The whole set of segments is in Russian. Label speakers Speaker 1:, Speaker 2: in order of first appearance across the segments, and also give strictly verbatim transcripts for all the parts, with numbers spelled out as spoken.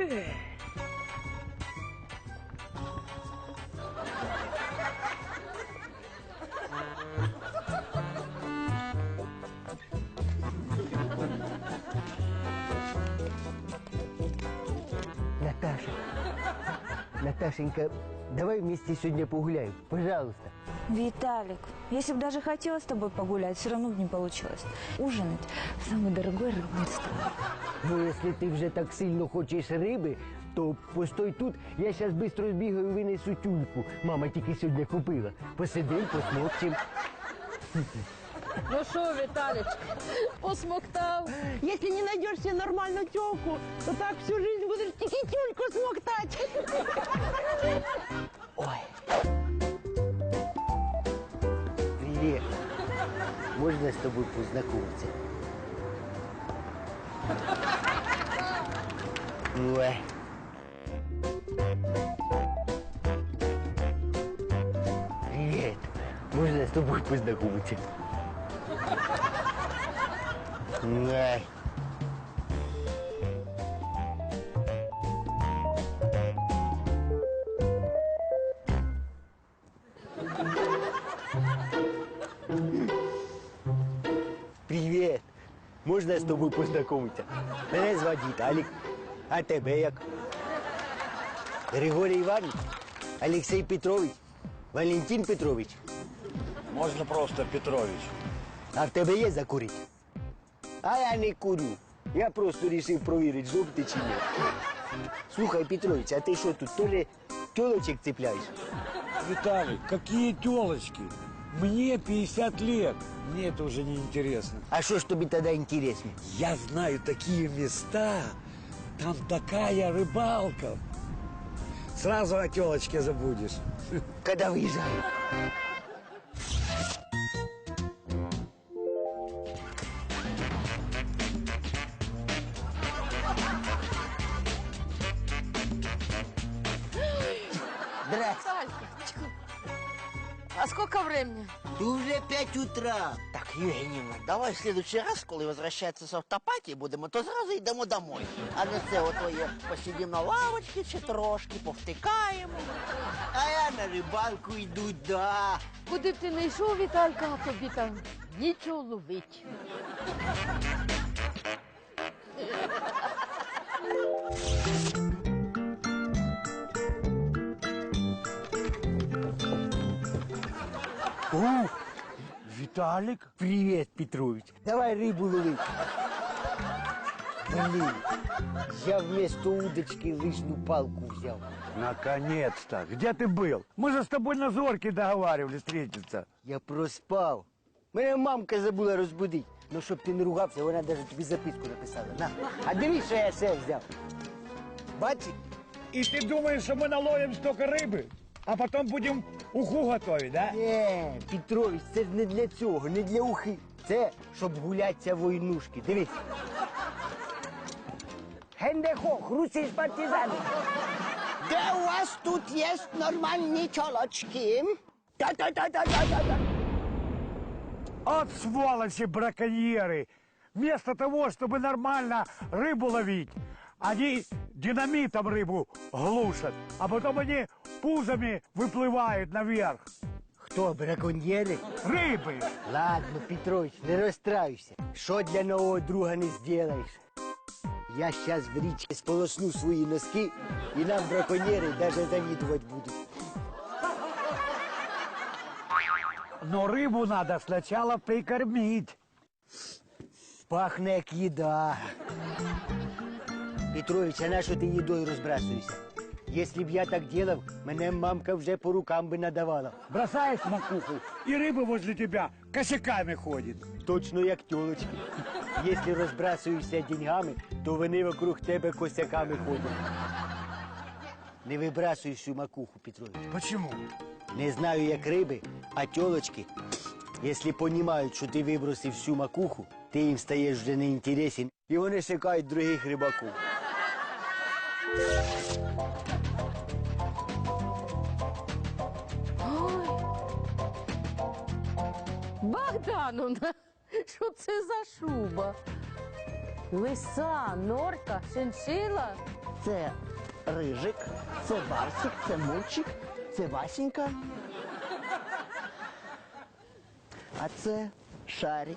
Speaker 1: Наташа, Наташенька, давай вместе сегодня погуляем, пожалуйста.
Speaker 2: Виталик, если бы даже хотела с тобой погулять, все равно бы не получилось. Ужинать в самый дорогой рыбный ресторан.
Speaker 1: Ну, если ты уже так сильно хочешь рыбы, то постой тут, я сейчас быстро сбегаю, вынесу тюльку. Мама тільки сьогодні купила. Посидим, посмокчем.
Speaker 3: Ну что, Виталич, посмоктал?
Speaker 4: Если не найдешь себе нормальную тёлку, то так всю жизнь будешь тільки тюльку смоктать.
Speaker 1: Ой. Привет. Можно с тобой познакомиться? Ой. Привет. Можно с тобой познакомиться? Ой. Привет. Можна з тобою познайомитися? Мене звати Віталік. А тебе як? Григорій Іванович? Олексій Петрович? Валентин Петрович?
Speaker 5: Можна просто Петрович.
Speaker 1: А в тебе є закурити? А я не курю. Я просто вирішив провірити, знов ти чи ні. Слухай, Петрович, а ти що тут, теж тілочок цепляєш?
Speaker 5: Виталий, какие телочки? Мне пятьдесят лет. Мне это уже не интересно.
Speaker 1: А що ж тобі тоді інтересно?
Speaker 5: Я знаю такие места. Там такая рыбалка. Сразу о телочке забудешь.
Speaker 1: Коли виїжджаю? Здравствуйте.
Speaker 3: А сколько времени?
Speaker 1: Уже пять утра.
Speaker 6: Так, Євгенівна, давай в следующий раз, коли возвращається з автопатії будемо, то зразу йдемо домой. А не це отоє посидимо на лавочці чи трошки, повтикаємо.
Speaker 1: А я на рибалку йду, да.
Speaker 3: Куди б ти не йшов, Віталька, а тобі там нічого ловить.
Speaker 1: О, Виталик. Привет, Петрович. Давай рыбу ловить. Блин, я вместо удочки лыжную палку взял.
Speaker 5: Наконец-то. Где ты был? Мы же с тобой на зорке договаривались встретиться.
Speaker 1: Я проспав. Мене мамка забула розбудити. Ну, щоб ти не ругався, вона навіть тобі записку написала. На. А дивись, що я все взяв. Бачиш?
Speaker 5: И ты думаешь, что мы наловим столько рыбы, а потом будем уху готовить, да?
Speaker 1: Ні, Петрович, це ж не для цього, не для ухи. Це, щоб гулятися войнушки. Дивись. Хендехох, русі з партизани.
Speaker 6: Де у вас тут є нормальні тілочки?
Speaker 1: Та-та-та-та-та-та.
Speaker 5: От сволочи браконьеры! Вместо того, чтобы нормально рыбу ловить, они динамитом рыбу глушат, а потом они пузами выплывают наверх.
Speaker 1: Хто, браконьєри?
Speaker 5: Рыбы!
Speaker 1: Ладно, Петрович, не розстраюйся. Що для нового друга не зробиш? Я зараз в річці сполосну свої носки, і нам браконьєри навіть завідувати будуть.
Speaker 5: Но рыбу надо сначала прикормить.
Speaker 1: Пахне як їда. Петрович, а на що ти їдою розбрасуєшся? Якщо б я так делав, мене мамка вже по рукам би надавала.
Speaker 5: Бросаешь макуху, и рыба возле тебя косяками ходит.
Speaker 1: Точно як тёлочки. Якщо розбрасуєшся деньгами, то вони вокруг тебе косяками ходять. Не вибрасуй всю макуху, Петрович.
Speaker 5: Почему?
Speaker 1: Не знаю, як риби, а тёлочки, якщо розуміють, що ти вибросив всю макуху, ти їм стаєш вже неінтересен, і вони шукають других рибаків.
Speaker 3: Богдановна, що це за шуба? Лиса, норка, шиншила?
Speaker 6: Це Рижик, це Барсик, це Мурчик, це Васенька. А це Шарик.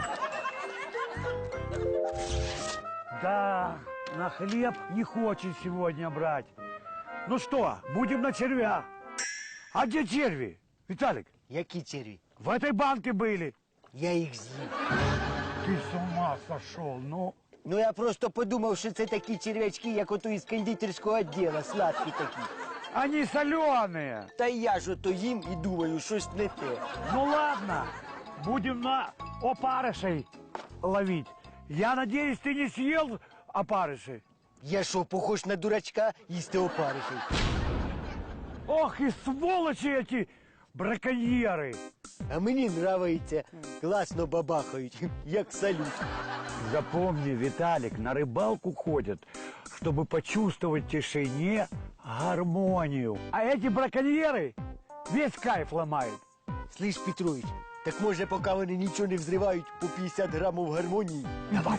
Speaker 5: Да, на хлеб не хочет сегодня брать. Ну что, будем на червя. А где черви? Виталик,
Speaker 1: Які черві?
Speaker 5: в этой банке были.
Speaker 1: Я їх з'їв.
Speaker 5: Ты с ума сошел, ну.
Speaker 1: Ну я просто подумав, що це такі черв'ячки, як ото із кондитерського відділу, сладкі такі.
Speaker 5: Они соленые.
Speaker 1: Та я ж ото їм і думаю, щось не те.
Speaker 5: Ну ладно, будем на опарышей ловить. Я надеюсь, ты не съел опарыши?
Speaker 1: Я що, похож на дурачка їсти опариші?
Speaker 5: Ох и сволочи эти браконьеры.
Speaker 1: А мені нравиться, класно бабахають, як салют.
Speaker 5: Запомни, Виталик, на рыбалку ходят, чтобы почувствовать в тишине гармонию. А эти браконьеры весь кайф ломают.
Speaker 1: Слышь, Петрович, так може, поки вони нічого не взривають, по п'ятдесят грамів гармонії?
Speaker 5: Давай.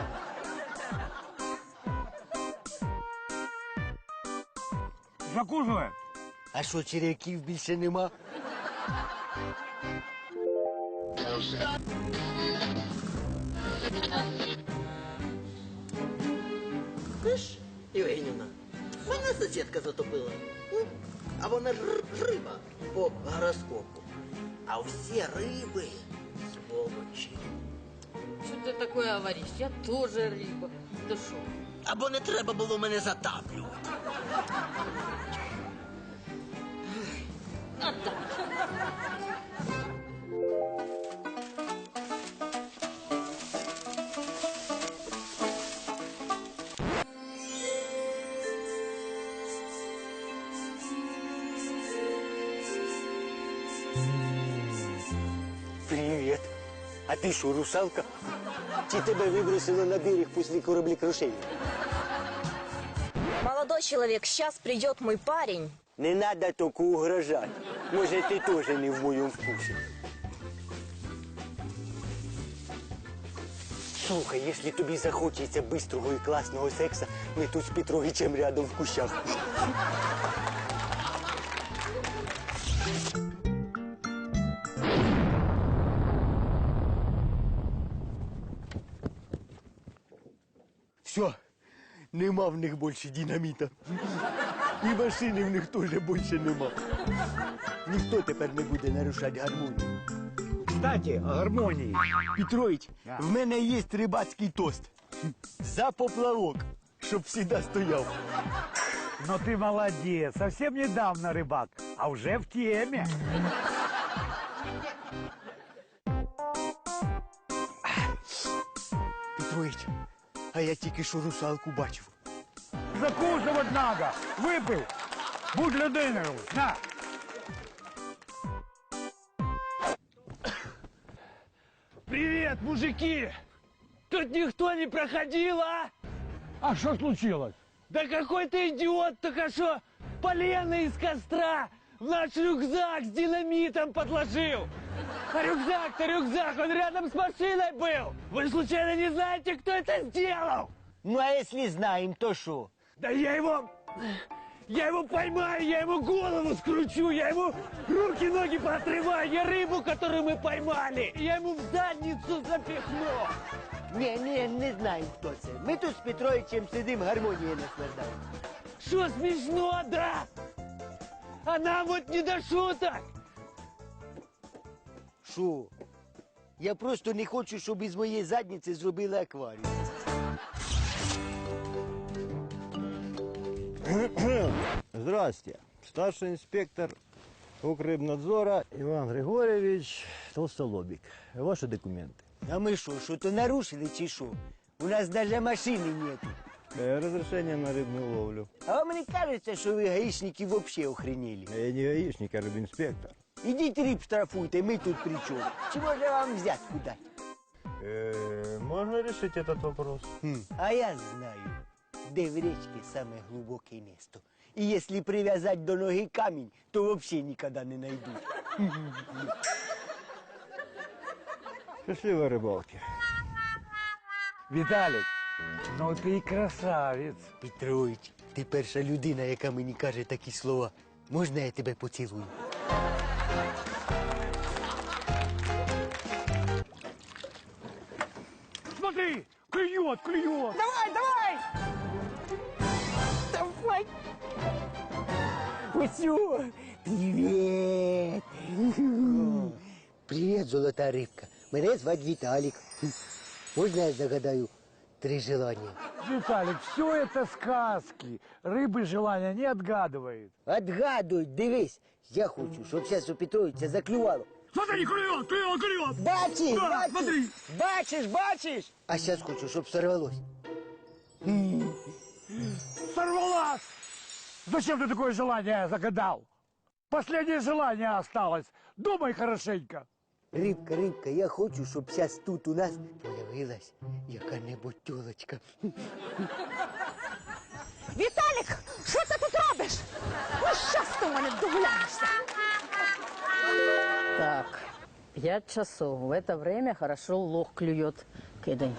Speaker 5: Закусывай.
Speaker 1: А що, черв'яків більше нема?
Speaker 6: Знаєш, Євгенівна, мене сусідка затопила. М? А вона ж р- риба по гороскопу. А всі риби сволочі.
Speaker 3: Что ты такое говоришь? Я тоже рыба. Ты шо?
Speaker 6: Або не треба було мене затаплювати.
Speaker 3: Отдай.
Speaker 1: Привіт. А ти що, русалка? Чи тебе вибросило на берег після кораблекрушення?
Speaker 7: Молодой человек, сейчас придет мой парень.
Speaker 1: Не надо только угрожать. Може, ти теж не в моєму вкусі. Слухай, якщо тобі захочеться бистрого і класного секса, ми тут з Петровичем рядом в кущах. Все, нема в них більше динаміта. І машини в них теж більше нема. Ніхто тепер не буде нарушати гармонію.
Speaker 5: Кстати, о гармонии.
Speaker 1: Петрович,
Speaker 5: Да.
Speaker 1: в мене є рибацький тост. За поплавок, щоб завжди стояв.
Speaker 5: Но ты молодец. Совсем недавно рыбак, а уже в теме.
Speaker 1: Петрович, а я тільки що русалку бачив.
Speaker 5: Закусывать надо. Выпил. Будь людиною. На.
Speaker 8: Привет, мужики! Тут никто не проходил, а?
Speaker 5: А что случилось?
Speaker 8: Да какой-то идиот только что полено из костра в наш рюкзак с динамитом подложил. А рюкзак-то рюкзак, он рядом с машиной был. Вы случайно не знаете, кто это сделал?
Speaker 1: Ну, а якщо знаємо, то що?
Speaker 8: Да я его... Я его поймаю, я ему голову скручу, я ему руки-ноги поотрываю, я рыбу, которую мы поймали, я ему в задницу запихну.
Speaker 1: Ні, ні, не знаємо, хто це. Ми тут з Петровичем сидимо, гармонією наслаждаємо.
Speaker 8: Что, смешно, да? А нам вот не до шуток.
Speaker 1: Що? Я просто не хочу, щоб із моєї задниці зробили акваріум.
Speaker 9: Здрасте. Старший инспектор Укррыбнадзора Иван Григорьевич Толстолобик. Ваши документы.
Speaker 1: А ми що, що то нарушили чи що? У нас навіть машини нету.
Speaker 9: Э, Разрешение на рыбную ловлю.
Speaker 1: А вам не кажеться, що ви гаїшники вообще охренели?
Speaker 9: Я не гаишник, а рыбинспектор.
Speaker 1: Ідіть риб штрафуйте, ми тут при чому? Чи може вам взятку дати?
Speaker 9: Э, Можно решить этот вопрос?
Speaker 1: Хм, а я знаю, де в речці саме глибоке місто. І якщо прив'язати до ноги камінь, то взагалі ніколи не знайдуть.
Speaker 9: Счастливой рыбалки.
Speaker 5: Виталик, ну ты и красавец.
Speaker 1: Петрович, Ти перша людина, яка мені каже такі слова. Можна я тебе поцілую?
Speaker 5: Смотри, клюет, клюет.
Speaker 4: Давай, давай! Давай!
Speaker 1: Усю! Привіт! Привіт, золота рибка. Мене звати Віталік. Можна я загадаю три желання?
Speaker 5: Виталик, все это сказки. Рыбы желания не отгадывает.
Speaker 1: Отгадуй, дивись. Я хочу, щоб зараз у Петровича заклювало.
Speaker 5: Смотри, клюет, клюет, клюет.
Speaker 1: Бачиш,
Speaker 5: Да,
Speaker 1: бачиш?
Speaker 5: смотри.
Speaker 1: Бачиш, бачиш? А зараз хочу, щоб сорвалось.
Speaker 5: Сорвалась! Зачем ты такое желание загадал? Последнее желание осталось. Думай хорошенько.
Speaker 1: Рибка, рибка, я хочу, щоб зараз тут у нас появилась яка-небудь тёлочка.
Speaker 4: Віталік, що ти тут робиш? Ну, щас ти в мене догуляєшся.
Speaker 3: Так, пять часов. В это время хорошо лох клюет. Кидай.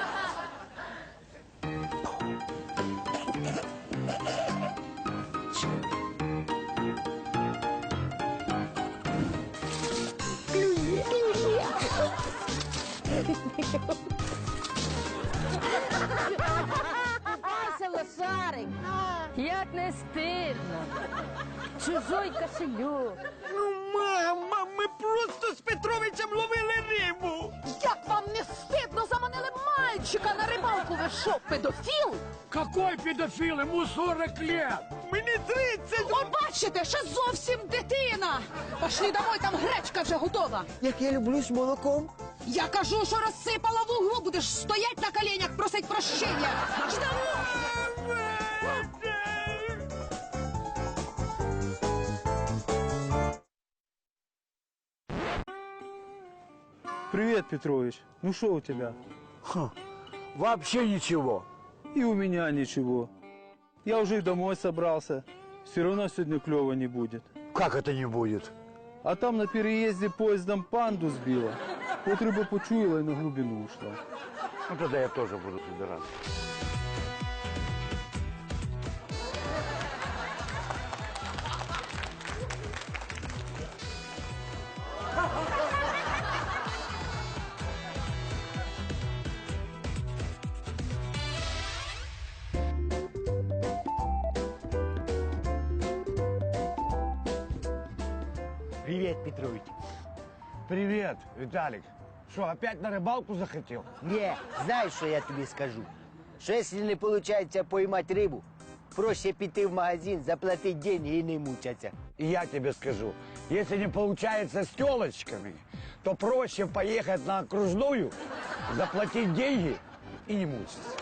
Speaker 3: Ася, лошарик, як не стидно. Чужой кошелек.
Speaker 8: Ну, мама, ми просто з Петровичем ловили рибу.
Speaker 4: Як вам не стидно, заманили мальчика на рибалку? Ви що, педофіл?
Speaker 5: Какой педофил? Ему сорок лет.
Speaker 8: Мені тридцять.
Speaker 4: О, бачите, ще зовсім дитина. Пошли домой, там гречка вже готова.
Speaker 1: Як я люблю з молоком.
Speaker 4: Я кажу, що розсипала в углу, будеш стоять на коленях, просить прощення.
Speaker 9: Привет, Петрович. Ну что у тебя?
Speaker 5: Ха, вообще ничего.
Speaker 9: И у меня ничего. Я уже и домой собрался. Все равно сегодня клёво не будет.
Speaker 5: Как это не будет?
Speaker 9: А там на переезде поездом панду сбила. Вот рыба почуяла и на глубину ушла.
Speaker 5: Ну тогда я тоже буду собираться.
Speaker 1: Привіт, Петрович.
Speaker 5: Привет, Виталик. Что, опять на рыбалку захотел?
Speaker 1: Не, знаєш, що я тобі скажу? Що якщо не виходить поймати рибу, проще піти в магазин, заплатити деньги і не мучатися.
Speaker 5: И я тебе скажу, если не получается с телочками, то проще поехать на окружную, заплатить деньги и не мучиться.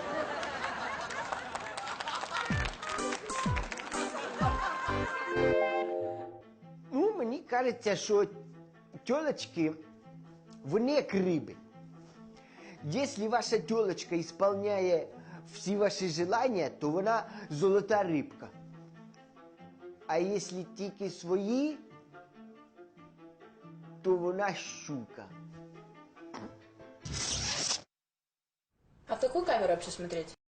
Speaker 1: Ну, мені кажеться, що тілочки, вони як риби. Якщо ваша тілочка виконує всі ваші желання, то вона золота рибка. А якщо тільки свої, то вона щука.
Speaker 10: А в какую камеру вообще смотреть?